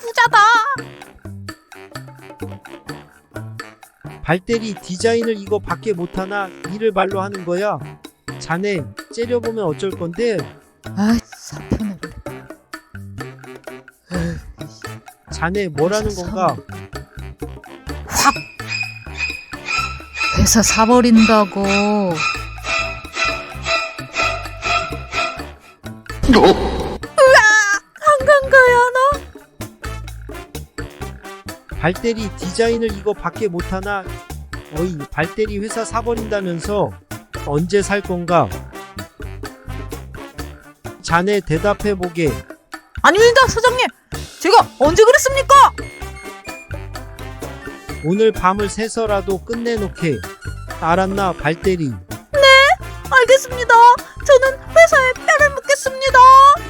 부자다. 발대리 디자인을 이거 밖에 못하나 일을 발로 하는 거야. 자네 째려보면 어쩔 건데. 아이, 사편을. 자네 뭐라는 건가? 확 회사 사버린다고. 한간 가야 하나? 발대리 디자인을 이거 밖에 못하나? 어이, 발대리 회사 사버린다면서 언제 살 건가? 자네 대답해보게. 아닙니다, 사장님. 제가 언제 그랬습니까? 오늘 밤을 새서라도 끝내놓게. 알았나, 발대리? 알겠습니다. 저는 회사에 뼈를 묻겠습니다.